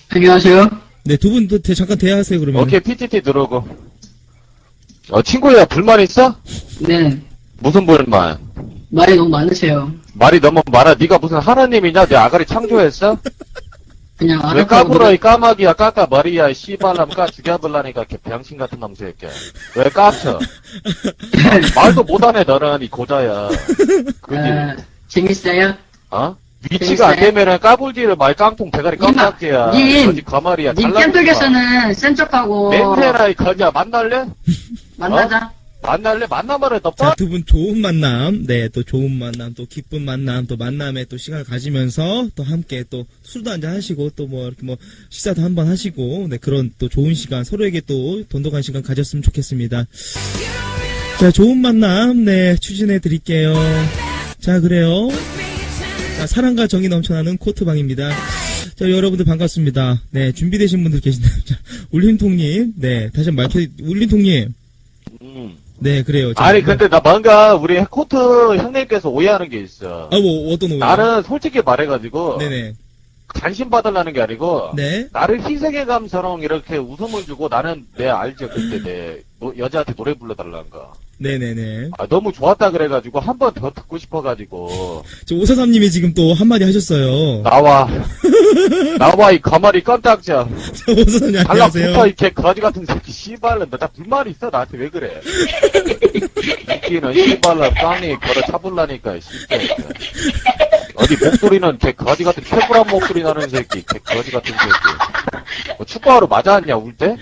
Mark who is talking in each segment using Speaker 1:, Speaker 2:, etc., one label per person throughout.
Speaker 1: 안녕하세요.
Speaker 2: 네, 두 분 잠깐 대화하세요, 그러면.
Speaker 3: 오케이, PTT 들어오고. 친구야, 불만 있어?
Speaker 1: 네.
Speaker 3: 무슨 불만?
Speaker 1: 말이 너무 많으세요.
Speaker 3: 말이 너무 많아. 네가 무슨 하나님이냐? 내 아가리 창조했어?
Speaker 1: 그냥
Speaker 3: 왜
Speaker 1: 알아보고
Speaker 3: 까불어, 이 까마귀야, 까까 머리야, 씨발람 까 죽여볼라니까, 개 병신 같은 놈 새끼야. 왜 깝쳐? 말도 못하네, 너는, 이 고자야. 그지?
Speaker 1: 재밌어요?
Speaker 3: 위치가 안 되면은 까불지를 말 깡통 대가리 깜짝이야.
Speaker 1: 님,
Speaker 3: 거지 가말이야.
Speaker 1: 님 깸쪽에서는 센 척하고
Speaker 3: 냄새나, 이 거지야. 만날래?
Speaker 1: 만나자.
Speaker 3: 만날래? 만나면은 너
Speaker 2: 자, 두 분 좋은 만남, 네, 또 좋은 만남, 또 기쁜 만남, 또 만남에 또 시간을 가지면서 또 함께 또 술도 한잔 하시고 또 뭐 이렇게 뭐 식사도 한번 하시고, 네, 그런 또 좋은 시간, 서로에게 또 돈독한 시간 가졌으면 좋겠습니다. 자, 좋은 만남, 네, 추진해 드릴게요. 자, 그래요. 자, 사랑과 정이 넘쳐나는 코트방입니다. 자, 여러분들 반갑습니다. 네, 준비되신 분들 계신가요? 자, 울림통님, 네, 다시 한번 울림통님. 네, 그래요. 자,
Speaker 3: 아니, 근데 나 뭔가 우리 코트 형님께서 오해하는 게 있어.
Speaker 2: 뭐, 어떤 오해?
Speaker 3: 나는 솔직히 말해가지고,
Speaker 2: 네네.
Speaker 3: 관심 받으려는 게 아니고,
Speaker 2: 네.
Speaker 3: 나를 희생의 감처럼 이렇게 웃음을 주고 나는 알죠. 그때 여자한테 노래 불러달라는 거.
Speaker 2: 네네네.
Speaker 3: 너무 좋았다 그래가지고 한 번 더 듣고 싶어가지고.
Speaker 2: 저 오사삼님이 지금 또 한마디 하셨어요.
Speaker 3: 나와 이 거머리 껌딱지야.
Speaker 2: 저 오사삼님 안녕하세요.
Speaker 3: 달라붙어 이 개 거지 같은 새끼 씨발라. 나 불만 있어 나한테 왜 그래? 새끼는 씨발라 깡이 걸어 차불라니까 씨발. 어디 목소리는 개 거지 같은 최불한 목소리 나는 새끼. 개 거지 같은 새끼. 축구하러 맞았냐 울 때?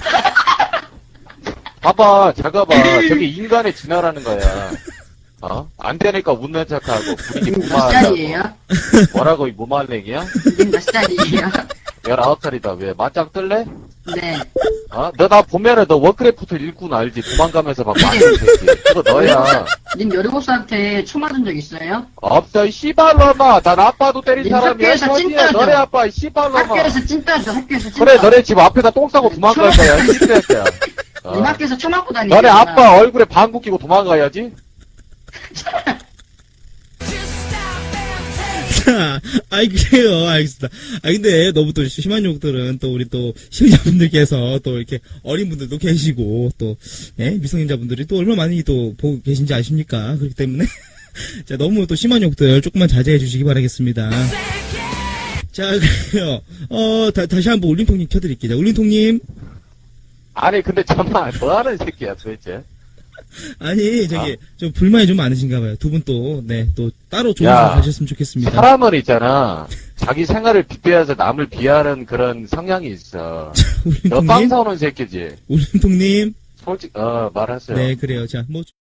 Speaker 3: 봐봐, 작아봐. 저게 인간의 진화라는 거야. 안 되니까 웃는 척하고, 분위기
Speaker 1: 몇
Speaker 3: 무마하고.
Speaker 1: 살이에요?
Speaker 3: 뭐라고, 이 무말랭이야?
Speaker 1: 님 몇 살이에요?
Speaker 3: 19살이다. 왜? 맞짱 뜰래?
Speaker 1: 네.
Speaker 3: 너 나 보면은 너 워크래프트 일꾼 알지? 도망가면서 막 맞는 새끼. 그거 너야.
Speaker 1: 님 17살한테 총 맞은 적 있어요?
Speaker 3: 없어, 이 씨발놈아. 난 아빠도 때린
Speaker 1: 님
Speaker 3: 사람이야.
Speaker 1: 학교에서 찐따죠.
Speaker 3: 너네 아빠, 이 씨발놈아.
Speaker 1: 학교에서 찐따죠, 학교에서 찐따.
Speaker 3: 그래, 너네 집 앞에다 똥 싸고 도망갈 거야, 이 새끼야.
Speaker 1: 님 학교에서 총 맞고 다니잖아.
Speaker 3: 너네 아빠 얼굴에 방구 끼고 도망가야지?
Speaker 2: 자, 그래요. 알겠습니다. 근데 너무 또 심한 욕들은 또 우리 또 시청자분들께서 또 이렇게 어린 분들도 계시고 또, 예, 미성년자분들이 또 얼마나 많이 또 보고 계신지 아십니까? 그렇기 때문에. 자, 너무 또 심한 욕들 조금만 자제해 주시기 바라겠습니다. 자, 그래요. 다시 한번 울림통님 켜드릴게요. 자, 울림통님.
Speaker 3: 아니 근데 정말 뭐하는 새끼야 도대체.
Speaker 2: 아니 좀 불만이 좀 많으신가 봐요. 두 분 또 네 또 따로 좋은 시간 가셨으면 좋겠습니다.
Speaker 3: 사람은 있잖아 자기 생활을 빗대어서 남을 비하하는 그런 성향이 있어. 너 빵
Speaker 2: 울림통님.
Speaker 3: 사오는 새끼지.
Speaker 2: 울림통님.
Speaker 3: 솔직 말하세요.
Speaker 2: 네, 그래요. 자, 뭐